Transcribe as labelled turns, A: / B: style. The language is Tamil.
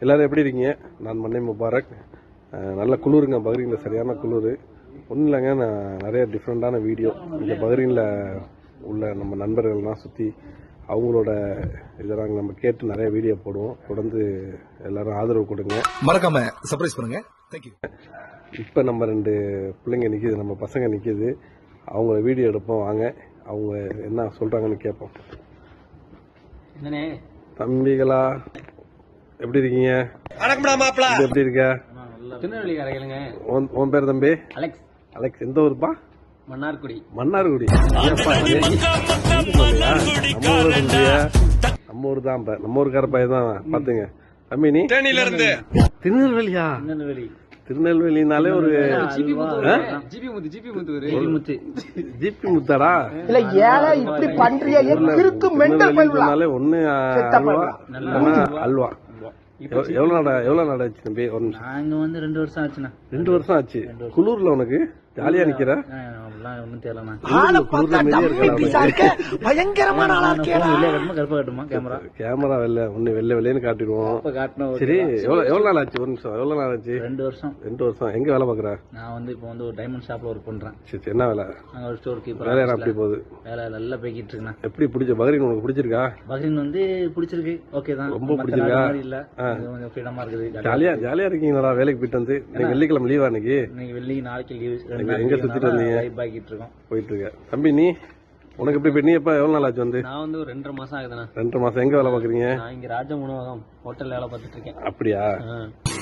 A: எல்லாரும் எப்படி இருக்கீங்க? நான் மன்னை முபாரக். நல்ல குளிருங்க, பஹ்ரைனில் சரியான குளிர். ஒன்றும் இல்லைங்க, நான் நிறைய டிஃப்ரெண்ட்டான வீடியோ இந்த பஹ்ரைனில் உள்ள நம்ம நண்பர்கள்லாம் சுற்றி அவங்களோட இதெல்லாம் நம்ம கேட்டு நிறைய வீடியோ போடுவோம். தொடர்ந்து எல்லாரும் ஆதரவு கொடுங்க,
B: மறக்காம சர்ப்ரைஸ் பண்ணுங்க. தேங்க்யூ.
A: இப்போ நம்ம 2 பிள்ளைங்க நிற்கிது, நம்ம பசங்க நிற்கிது. அவங்க வீடியோ எடுப்போம், வாங்க அவங்க என்ன சொல்கிறாங்கன்னு கேட்போம். தம்பிகளா எப்படி இருக்கீங்க? எப்படி இருக்க? உன் பேர் தம்பி?
C: அலெக்ஸ்.
A: அலெக்ஸ். எந்த ஊருப்பா?
C: மன்னார்குடி.
A: மன்னார்குடி. நம்ம ஊர் தான். நம்ம ஊருக்கார பையன் தான். பாத்துங்க தம்பி, நீ திருநெல்வேலியா? திருநெல்வேலினாலே ஒரு ஜிபி முத்தாடா? திருநெல்வேலினாலே ஒண்ணு அல்வா. எவ்வளவு நாள் ஆச்சு தம்பி? ஒரு நிமிஷம்.
C: நாங்க வந்து 2 வருஷம் ஆச்சுண்ணா.
A: 2 வருஷம் ஆச்சு. குளூர்ல உனக்கு ஜாலியா நிக்கிற?
C: ஒன்னும் தெரியலண்ணா.
B: பயங்கரமான ஆளா இருக்கேடா.
C: கருப்பா கட்டுமா
A: கேமரா வெள்ளை வெள்ளைன்னு காட்டிடுவோம். சரி, எவ்வளவு நாள் ஆச்சு? ஒரு நிமிஷம். எவ்வளவு நாள் ஆச்சு?
C: 2 வருஷம்.
A: 2 வருஷம். எங்க வேலை பாக்குற?
C: நான் வந்து இப்போ வந்து ஒரு டைமண்ட் ஷாப்ல ஒர்க் பண்றேன்.
A: சரி, என்ன வேலை?
C: நாங்க ஒரு ஸ்டோர் கீப்பர்.
A: வேலை அப்படி போகுது?
C: வேலை நல்லா போய்கிட்டு இருக்குண்ணா.
A: எப்படி பிடிச்ச பஹ்ரைன்? உனக்கு பிடிச்சிருக்கா?
C: பஹ்ரைன் வந்து பிடிச்சிருக்கு. ஓகே தான்.
A: ரொம்ப பிடிச்சிருக்கா?
C: இல்ல, கொஞ்சம் ஃப்ரீடமா இருக்குது.
A: ஜாலியா இருக்கீங்களா? வேலைக்கு போயிட்டு வந்து இன்னைக்கு வெள்ளிக்கிழமை லீவா? இன்னைக்கு
C: வெள்ளி நாளைக்கு லீவ்.
A: எங்க சுத்திட்டு வந்தீங்க? போயிட்டு இருக்க. தம்பி, நீ உனக்கு எப்படி? நீ எப்ப எவ்வளவு நாள் ஆச்சு வந்து?
C: நான் வந்து ஒரு 2.5 மாசம் ஆகுதுண்ணா.
A: 2 மாசம். எங்க வேலை பாக்குறீங்க?
C: நான் இங்க ராஜ உணவகம் ஹோட்டல்ல வேலை பார்த்துட்டு இருக்கேன்.
A: அப்படியா?